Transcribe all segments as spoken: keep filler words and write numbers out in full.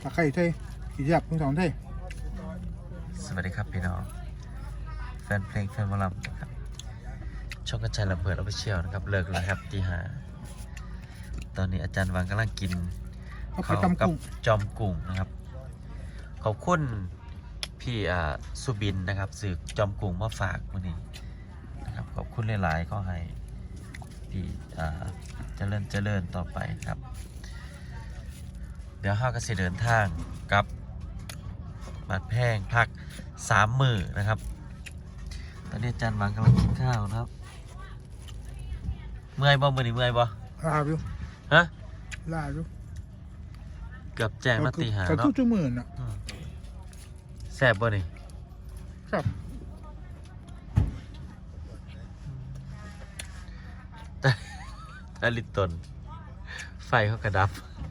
ตะไคร้ไทยขี้ยับทั้งสองไทยสวัสดีครับพี่น้องแฟนเพลงแฟนวอลลัมนะครับช่องกระจายระเบิดเอาไปเชี่ยวนะครับเลิกแล้วครับตีห้าตอนนี้อาจารย์วังกำลังกินข้าวกับจอมกุ้งนะครับขอบคุณพี่อ่าสุบินนะครับสื่อจอมกุ้งมาฝากวันนี้นะครับขอบคุณหลายๆก็ให้ที่อ่าเจริญเจริญต่อไปครับเดี๋ยวห้าก็จะเดินทางกับบัดแพงพักสามมือนะครับตอนนี้อาจารย์วังกำลังกินข้าวนะครับเมื่อยบ่มือนี่เมื่อยบ่ลาอยู่ฮะลาอยู่เกือบแจ้งมาตีหาก็เนาะทุกชั่วโมงน่ะแซ่บบ่นี่ครับแต่แต่ลิตตนไฟเขากระดับ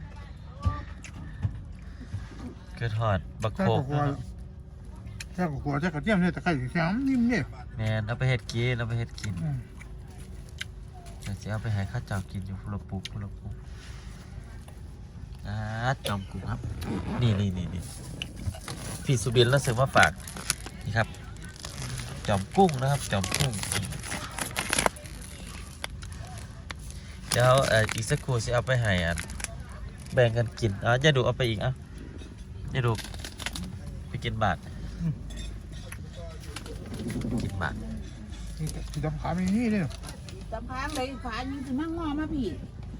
เกิดหอดบักโคกนะครับแค่กับหัวแค่กับเทียมเนี่ยตะไคร้แข็งนิ่มเนี่ยแมนเอาไปเฮ็ดกินเอาไปเฮ็ดกินเดี๋ยวจะเอาไปให้ข้าเจ้ากินอยู่พุละปุกพุละปุกอ่าจอมกุ้งครับนี่นี่นี่นี่พี่สุบินแล้วซื้อมาฝากนี่ครับจอมกุ้งนะครับจอมกุ้งเดี๋ยวเอ่ออีกสักครู่จะเอาไปให้อ่ะแบ่งกันกินอ่ะอย่าดูเอาไปอีกอ่ะอย่าดูไปกินบาทกินบาทที่ดำขาไม่นี่เลยตำพางเลยฝายิงถึงมั่งงอมาพี่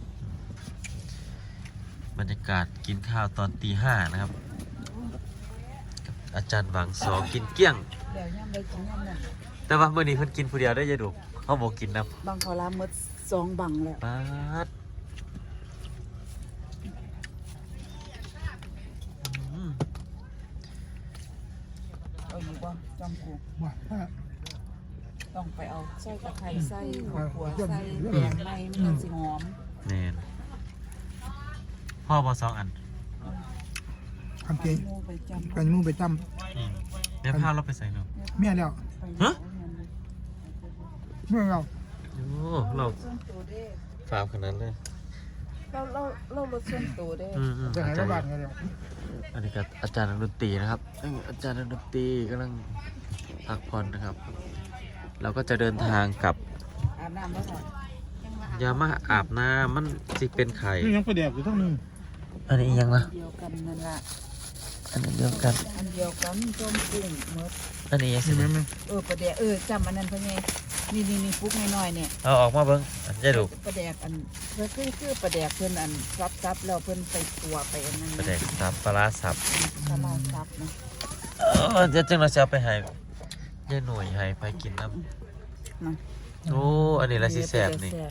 บรรยากาศกินข้าวตอนตีห้านะครับอาจารย์หวังสอกินเกี้ยงเดี๋ยวย่ำได้กินย่ำนั่นแต่ว่าเมื่อนี้เพิ่นกินผู้เดียวได้อยังดูเขาบอกกินนะบางขอลาหมดสองบังแล้วป๊าดอืมเอาอยู่บ่จอมกูว่าถ้าต้องไปเอาใส่ตะไคร้ใส่หัวขัวใส่แกงในมันสิหอมแน่นพ่อบอสองอันทำเก่งหมูไปจำกันมูไปจอืมเดี๋ยวพาเราไปใส่เนาะำเมียแล้วฮะเมียแล้วโอ้เราส่วนตัวเด้ฟาวขนาดเลยเราเราเราลดส่วนตัวเด้อืมอืมจะหายอาจารระบาดย์ไงเดียวอันนี้ก็อาจารย์ดนตรีนะครับเอ้ยอาจารย์ดนตรีกำลังพักผ่อนนะครับ เราก็จะเดินทางกลับอาบน้ำแล้วค่ะยามาอาบน้ำมันสิเป็นไข่นี่ยังไปแดกอยู่ทั้งนึงอันนี้ยังละเดียวกันนั่นละอันนี้เดียวกันอันเดียวกันจอมกุ้งหมดอันนี้ยังสิใช่ไหมมั้ยเออประเดี๋ยวเออจำอันนั้นเพื่อนไงนี่นี่นี่ฟุกน้อยๆเนี่ยเอาออกมาเบิ้งอันจะดูประแดกอันเพื่อคือคือประแดกเพื่อนอันซับซับแล้วเพื่อนไปตัวไปอันนั้นประเด็กสับปลาร้าสับสลาซับนะเออเดี๋ยวจึงเราจะเอาไปให้ยายหน่วยให้ไปกินน้นะำโอ้อันนี้ละสิแสบนี่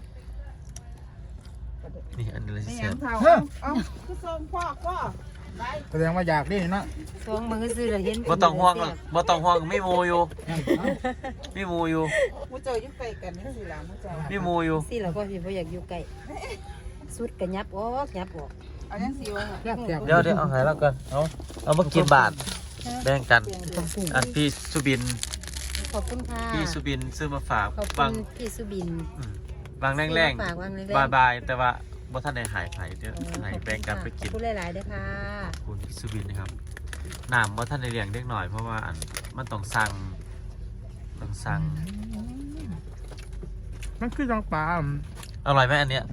นี่อันนี้ละสิไม่แสยังบเท่าเอาเอาคือทรงพ่อก็ได้แสดงว่าอยากได้เนาะทรงมือซื้อเลยเห็นบ่ต้องห่วงหรอกบ่ต้องห่วงไม่มูอยู่ไม่มูอยู่มูเจอยุ่งไกลกันนี่สิล่ะมูเจอไม่มูอยู่สิเราก็พี่บ่อยากอยู่ใกล้สุดกระยับออกยับออกเอายังสิวะแซ่บแซ่บเดี๋ยวเดี๋ยวเอาให้แล้วกันเอาเอามากินบาทแบ่งกันต้องปรุงอันพี่สุบินขอบคุณค่ะพี่สุบินซื้อมาฝากขอบคุบางณพี่สุบินอืมบางแรงฝากวางแรงๆบายบายแต่ว่าบ่ทันได้หายไผเดี๋ยวใหายแบ่งกันไปกินขอบคุณหลายๆด้วยค่ะขอบคุณพี่สุบินนะครับน้ำว่าท่านในเลี้ยงเล็กหน่อยเพราะว่าอันมันต้องสั่งต้องสั่งมันคือจังปลาอร่อยไหมอันเนี้ย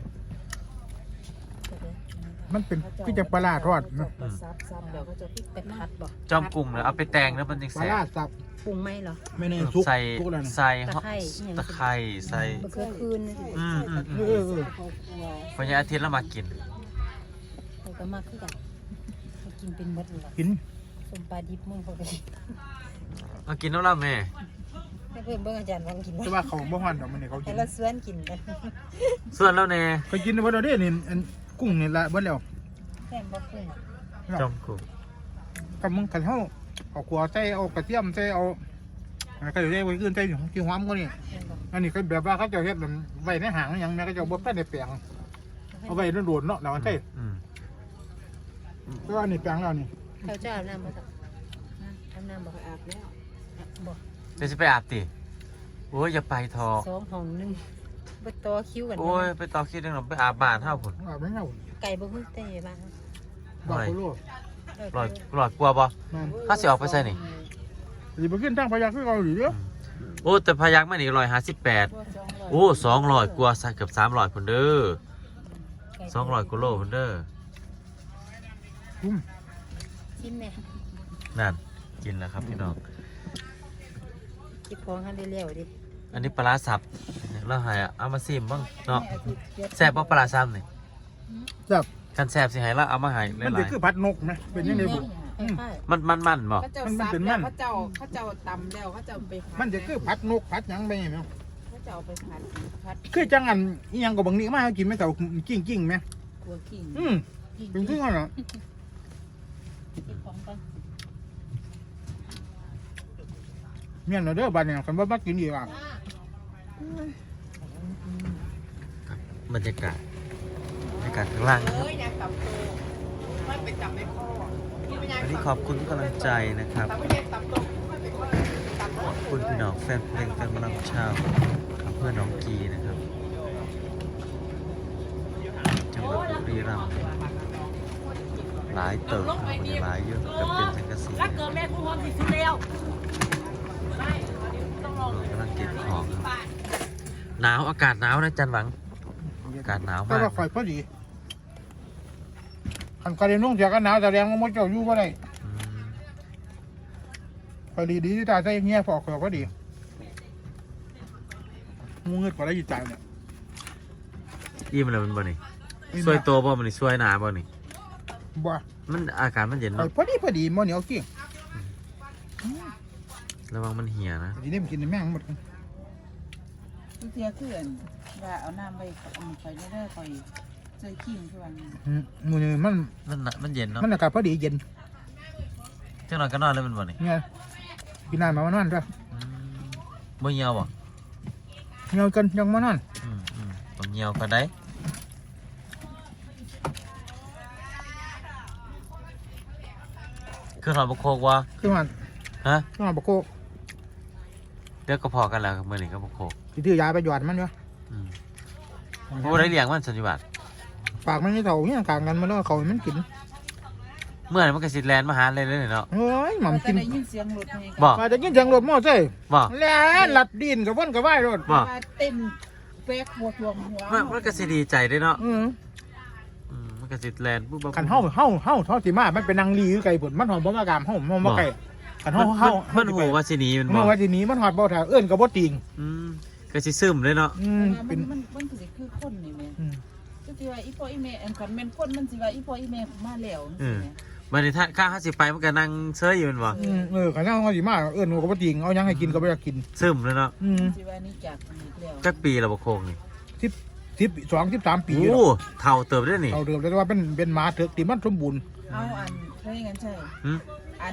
มันเป็นคือจังปลาทอดเนาะซับซับแล้วก็จะไปพัดบ่จอมกลุ่มเลยเอาไปแตงแล้วมันยังปลาแซ่ลาบสับปรุงไหมเหรอไม่ในซุกใส่ซุกแล้วนะใส่ตะไคร้ตะไคร้ใส่มะเขือคืนอืมอืมเออือมเออพญาอาทิตย์แล้วมากินเขาก็มากขึ้นกันเขากินเป็นมดเลยกินสมปลาดิบมึงเขาก็กินมากินแล้วล่ะแม่ให้เพื่อนเบิ่งอาจารย์วางกินแต่ว่าเขาบ่ฮ้อนดอกมันนี่เขากิให้นเราสวนกินกันส่วนแล้วแน่เขากินบ่ได้เด้นี่อันกุ้งนี่ละเบิดแล้วแค่บ่ขึ้นจอมกลุ่มกับมึงกันเฮาเอาขัวใส่เอากระเทียมใส่เอาอะไรก็อยู่ได้ไว้ขึ้นใส่อยู่ที่หอมก็นี่อันนี้ก็แบบว่าเขาจะเฮ็ดแบบไว้ในหางอย่างแม่ก็จะบ่ทันได้แปลงเอาไว้โดนๆเนาะแล้วมันใช่อืมแต่ว่านี่แปลงแล้วนี่เขาจะอาบน้ำบ่ครับอาบน้ำบ่อาบแล้วบ่เดี๋ยวจะไปอาบติโอ้ยอย่าไปทอสองห้องหนึงบ่ต่อคิวกันโอ้ยไปต่อคิดเรื่องหรอไปอาบบ้านเท่าผุนอาบไม่เอาไก่บ่ฮึแต่บ้านดอกโคโลลอยลอยกลัวบ่นั่นถ้าสิออกไปใส่นี่สิไปขึ้นทางพยักคือเกาหลีเด้อโอ้แต่พยักมันอีกร้อยห้าสิบแปดโอ้สองร้อยกว่าใส่เกือบสามร้อยคนเด้อสองร้อยกิโลคนเด้อคุ้มชิมแม่นั่นกินแล้วครับพี่น้องกินของกันเร็วๆดิอันนี้ปลาร้าสับแล้วหายอ่ะเอามาซิมบ้างเนาะแซ่บบ่ปลาร้าสับนี่จับคันแซ่บสิให้ละเอามาให้หมันลาจะยคือพัดนกไหมเป็นยังไงบุใช่ๆมันมันมันบ่เขาเจ้าซับแล้วเขาเจ้าเขาเจ้าตำแล้วเขาเจ้าไปผัดมันจะคือพัดนกพัดหยังไปไงมั้งเขาเจ้าไปผัดผัดคือจังอันอีหยังกับบางนี้มาให้กินไหมเต่ากิ้งกิ้งไหมกัวขิงอืมเป็นคือกันเหรอกินของกันเมียนเราเด้อบ้านเนี่ยคันว่ามากินอีกอ่ะบรรยากาศบรรยากาศข้างล่างนะคเอ้รับยอยากตับโตไม่ไปจับในข้อวันนี้ขอบคุณทุกกำลังใจนะครับแต่ไม่ได้ตับโตไม่ไปข้อตับโตขอบคุณพี่น้องแฟนเพลงแฟนหมอลำชาวอำเภอหนองกีนะครับจังหวัดบุรีรัมย์หลายเติบครับวันนี้หลายเยอะกับเป็นสังกะสีรักเกินแม่คุณพร้อมสิสุดแล้วกำลังเก็บของครับหนาวอากาศหนาวนะจันหวังอากาศหนาวแต่มากว่าข่อยพอดีคันกระเด็นนุ่งเสียกันหนาวแต่แรงมันมดเจ้าอยู่ก็ได้อืมข่อยดีดีที่ตาใจเงี้ยพอข่อยก็ดีงูเงือกกว่าได้ยินใจเนี่ยอิ่มแล้วมันบ่นี่ช่วยตัวบ่มันนี่ช่วยหนาบ่นี่บ่มันอากาศมันเย็นข่อยเนาะพอดีพอดีมันเหนียวจริงระวังมันเหี่ยนะทีนี้มันกินแม่งหมดทุกเทียคือว่าเอาน้ำไปคอยได้คอยเจอขิงคือวันอืมมือนี่มันมันน่ะมันเย็นเนาะมันอากาศพอดีเย็นจังหน่อยก็นอนแล้วมันบ่นี่เนี่ยกินน้ำมาวันนั้นจ้ะอืมบ่เหี่ยวบ่เงียวกันยังมานั่นอืมอืมบ่เหี่ยวก็ได้คือหอยบกโคกวะคือมันฮะคือมันบกโคกเดี๋ยวก็พอกันแล้วเมื่อนี้ก็บกโคกที่ถือยาไปหยอดมันเนาะอืมบ่ได้เลี้ยงมันสัญญาบัตรปากมันไม่เท่าเนี่ยกลางกันมันแล้วเขาให้มันกินเมื่อไหร่มันก็สิแลนมาหาเลยเลยเนาะเฮ้ยหม่ำกินได้ยินเสียงรถไงบ่มาจะกินเสียงรถมอไซค์บ่แล้วหลัดดินกับว่นกับว่ายรถบ่เต้นแป๊กหัวทวงหัวมันมันก็สิดีใจเด้เนาะอืมอืมมันก็สิแลนปุ๊บปุ๊บขันเฮาเฮาเฮาเท่าสิมามันเป็นนางลีคือไก่ผลมันหอมบ่มากามเฮามันบ่ไก่ขันมัเฮาน เฮามันหูว่าสิหนีมันบ่เมื่อวันที่นี้มันหอดบ่แถวเอื้อนกับบ่ติงอืมก็สิซึมเลยเนาะอืมมัเป็น นมันมันคือสิคือคนนี่แม่อืมก็สิว่าอีพ่ออีแม่อันคันแม่นคนมันสิว่าอีพ่ออีแม่มาแล้วนี่แหละบัดนี้ถ้าข้าเฮาสิไปมันก็นั่งเซยอยู่แมันบ่อืมเออขันเฮาเฮาสิมาเอื้อนกับบ่ติงเอาหยังให้กินก็บ่อยากกินซึมเลยเนาะอืมสิว่านี่จากอีกแล้วจักปีแล้วบ่โคกนี่สิบสิบสองสิบสามปีโอ้เท่าเติบได้นี่เอาเดิมแต่ว่าเป็นเป็นหมาเถกที่มันสมบูรณ์เอาอันใช่งั้นใช่หึอัน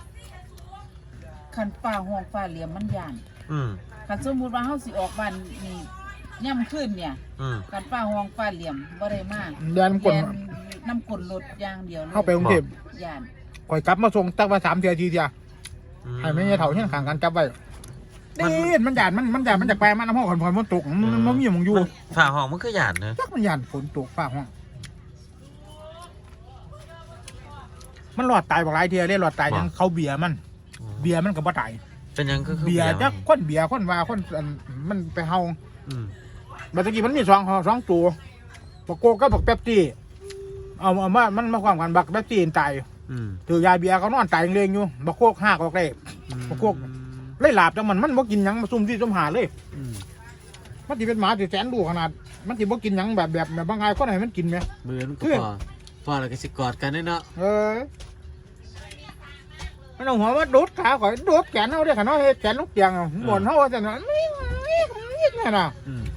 คันป่าห้องป่าเหลี่ยมมันย่านอืมคันสมมุติว่าเฮาสิออกบ้านนี่ย่ำขึ้นเนี่ยอืมคันป่าห้องป่าเหลี่ยมบ่ได้มากแดนกลน้ำกลนรถอย่างเดียวเลยเข้าไปกรุงเทพย่านข่อยกลับมาส่งตักว่าสามเทียทีเทียอืมให้ไม่ใช่เถ่าเฮี้ยนขางกันจับไว้นี่มันหยาดมันมันหยาดมันจากแปลมันน้ำห้องขอนพรมันตกมันมันมีหมองอยู่มันฝาห้องมันคือหยาดเนอะจักมันหยาดฝนตกฟ้าห้องมันหลอดตายบอกหลายเทียเลยหลอดตายยังเขาเบียร์มัน เบียร์มันก็บ่ตายเป็นหยังก็คือเบียร์มันจักคนเบียร์คนว่าคนอันมันไปเฮาอืมเมื่อกี้มันมีสองสองตัวบักโกก็บักเป๊ปซี่เอาเอามามันมาความกันบักเป๊ปซี่ตายอืมถือยาเบียร์เขานอนตายเรงอยู่บักโคกหักออกเลย พวกพวก เลยหลาบจังมันมันบ่กินหยังมาซุ่มที่ซุ่มหาเลยอืมมันสิเป็นหมาสิแสนดูขนาด มันสิบ่กินหยังแบบแบบแบบบางไงคนให้มันกินไหมมือมันก็คือพอพอแล้วก็สิกอดกันเด้เนาะเออมันเอาหัวมาโดดขาข่อยโดดแขนเฮาได้ขนาดเฮ็ดแขนลูกเตียงอะบ่นเฮาว่าจังนั้นนี่นี่น่ะอืม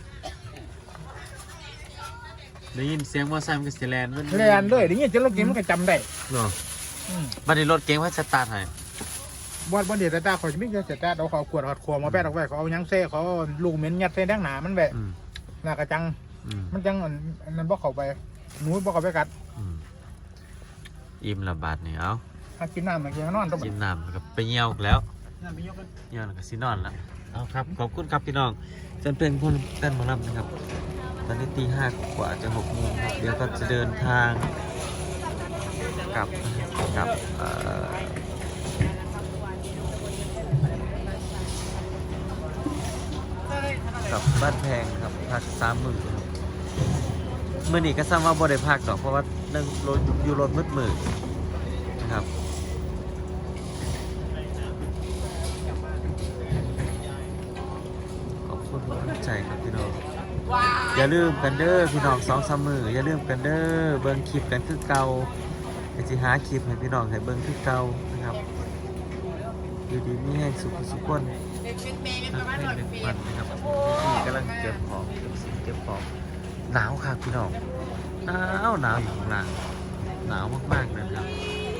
ได้ยินเสียงมอไซค์มันก็สิแลนมันแล่นเลยได้ยินจนลูกเตียงมันก็จำได้เนาะอืมบัดนี้รถเก๋งว่าสตาร์ทให้บ่บ่เดี๋ยวแต่ตาข่อยสิมีแต่แต่เอาเขาขวดเอาขวดมาแปะออกไว้เขาเอาหยังเซ่เขาเอาลูกเหม็นยัดใส่ดังหนามันไว้อืมหน้ากระจังอืมมันจังอันอันนั้นบ่เข้าไปหนูบ่เข้าไปกัดอืมอิ่มละบาดนี่เอาถ้ากินน้ำมันกินนอนต้องกินน้ำแล้วก็ไปเหี่ยวแล้วน้ำไปยกกันเหี่ยวแล้วก็สินอนแล้วเอาครับขอบคุณครับพี่น้องจนเป็นคนแฟนหมอลำนะครับตอนนี้ตีห้ากว่าจะหกโมงครับเดี๋ยวก็จะเดินทางกับกับเอ่อกับบ้านแพงครับพักสามหมื่นครับมื่อนี้ก็ซ้ำว่าบ่ได้พักดอกเพราะว่านั่งรถอยู่รถมืดมืดนะครับขอบคุณทุกกำลังใจครับพี่น้องอย่าลืมกันเด้อพี่น้องสองสามมืออย่าลืมกันเด้อเบิ่งคลิปกันคือเก่าไอ้ที่หาคลิปให้พี่น้องให้เบิ่งคือเก่านะครับอยู่ดีมีแห้งสุขสุขคนให้หนึ่งวันนะครับพี่กำลังเก็บของเก็บสิ่งเก็บของหนาวครับพี่น้องหนาวหนาวอยู่ข้างล่างหนาวมากๆเลยนะครับ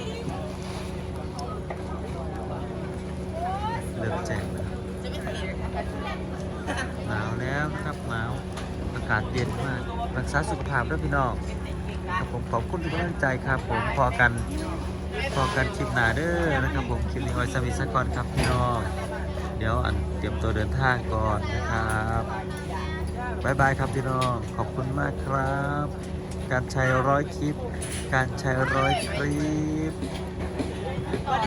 เริ่มแจ้งแล้วหนาวแล้วนะครับหนาวอากาศเย็นมากรักษาสุขภาพด้วยพี่น้องครับผมขอบคุณทุกกำลังใจครับผมพอกันพอกันคลิปหน้าเด้อนะครับผมคลิปนี้ไว้สมิสก่อนครับพี่น้องเดี๋ยวอันเตรียมตัวเดินทางก่อนนะครับบายบายครับพี่น้องขอบคุณมากครับการใช้ร้อยคลิปการใช้ร้อยคลิป